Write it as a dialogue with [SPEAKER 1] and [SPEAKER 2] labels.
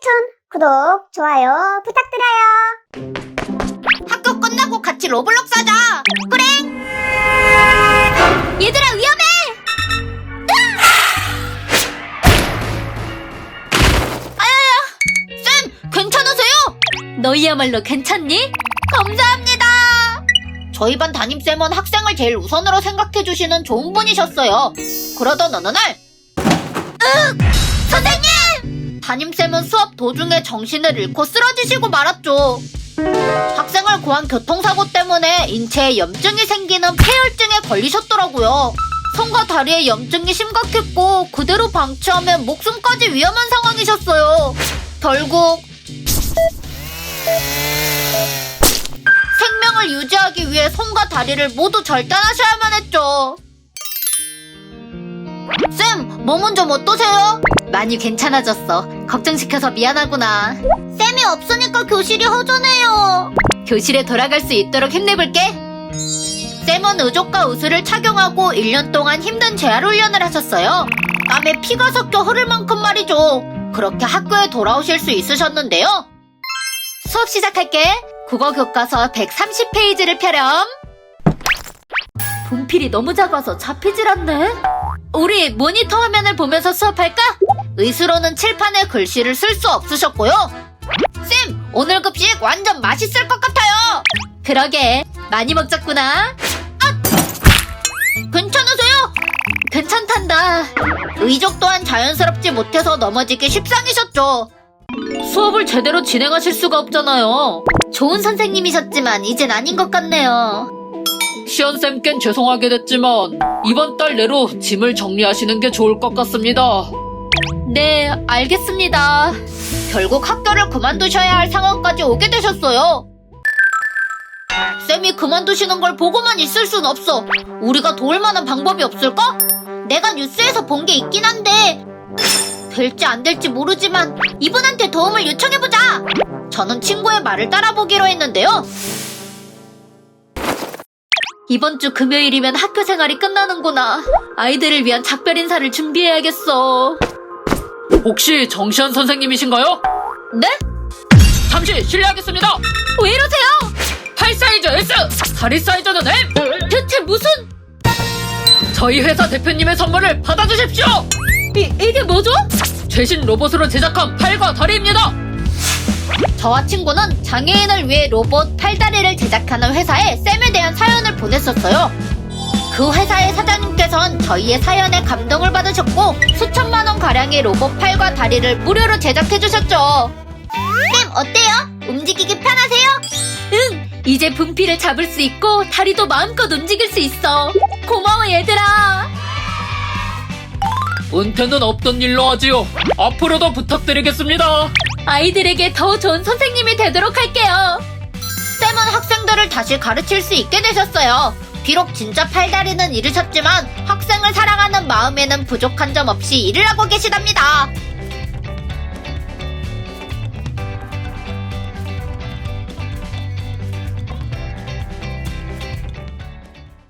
[SPEAKER 1] 추천, 구독, 좋아요 부탁드려요.
[SPEAKER 2] 학교 끝나고 같이 로블록스 하자. 그래. 얘들아 위험해. 아야야. 쌤 괜찮으세요? 너희야말로 괜찮니? 감사합니다. 저희 반 담임쌤은 학생을 제일 우선으로 생각해주시는 좋은 분이셨어요. 그러던 어느 날 선생님! 담임쌤은 수업 도중에 정신을 잃고 쓰러지시고 말았죠. 학생을 고한 교통사고 때문에 인체에 염증이 생기는 폐혈증에 걸리셨더라고요. 손과 다리에 염증이 심각했고 그대로 방치하면 목숨까지 위험한 상황이셨어요. 결국 생명을 유지하기 위해 손과 다리를 모두 절단하셔야만 했죠. 쌤, 몸은 좀 어떠세요? 많이 괜찮아졌어. 걱정시켜서 미안하구나. 쌤이 없으니까 교실이 허전해요. 교실에 돌아갈 수 있도록 힘내볼게. 쌤은 의족과 의수를 착용하고 1년 동안 힘든 재활 훈련을 하셨어요. 땀에 피가 섞여 흐를 만큼 말이죠. 그렇게 학교에 돌아오실 수 있으셨는데요. 수업 시작할게. 국어 교과서 130페이지를 펴렴. 분필이 너무 작아서 잡히질 않네. 우리 모니터 화면을 보면서 수업할까? 의수로는 칠판에 글씨를 쓸 수 없으셨고요. 쌤, 오늘 급식 완전 맛있을 것 같아요. 그러게, 많이 먹자꾸나. 아! 괜찮으세요? 괜찮단다. 의족 또한 자연스럽지 못해서 넘어지기 십상이셨죠. 수업을 제대로 진행하실 수가 없잖아요. 좋은 선생님이셨지만 이젠 아닌 것 같네요.
[SPEAKER 3] 시연쌤 죄송하게 됐지만 이번 달 내로 짐을 정리하시는 게 좋을 것 같습니다.
[SPEAKER 2] 네, 알겠습니다. 결국 학교를 그만두셔야 할 상황까지 오게 되셨어요. 쌤이 그만두시는 걸 보고만 있을 순 없어. 우리가 도울 만한 방법이 없을까? 내가 뉴스에서 본 게 있긴 한데 될지 안 될지 모르지만 이분한테 도움을 요청해보자. 저는 친구의 말을 따라보기로 했는데요. 이번 주 금요일이면 학교 생활이 끝나는구나. 아이들을 위한 작별 인사를 준비해야겠어.
[SPEAKER 3] 혹시 정시현 선생님이신가요?
[SPEAKER 2] 네?
[SPEAKER 3] 잠시 실례하겠습니다.
[SPEAKER 2] 왜 이러세요?
[SPEAKER 3] 팔 사이즈 S, 다리 사이즈는 M.
[SPEAKER 2] 대체 무슨...
[SPEAKER 3] 저희 회사 대표님의 선물을 받아주십시오.
[SPEAKER 2] 이게 뭐죠?
[SPEAKER 3] 최신 로봇으로 제작한 팔과 다리입니다.
[SPEAKER 2] 저와 친구는 장애인을 위해 로봇 팔다리를 제작하는 회사에 쌤에 대한 사연을 보냈었어요. 그 회사의 사장님께서는 저희의 사연에 감동을 받으셨고 수천만 원 가량의 로봇 팔과 다리를 무료로 제작해주셨죠. 쌤 어때요? 움직이기 편하세요? 응! 이제 분필을 잡을 수 있고 다리도 마음껏 움직일 수 있어. 고마워 얘들아.
[SPEAKER 3] 은퇴는 없던 일로 하지요. 앞으로도 부탁드리겠습니다.
[SPEAKER 2] 아이들에게 더 좋은 선생님이 되도록 할게요. 쌤은 학생들을 다시 가르칠 수 있게 되셨어요. 비록 진짜 팔다리는 잃으셨지만 학생을 사랑하는 마음에는 부족한 점 없이 일을 하고 계시답니다.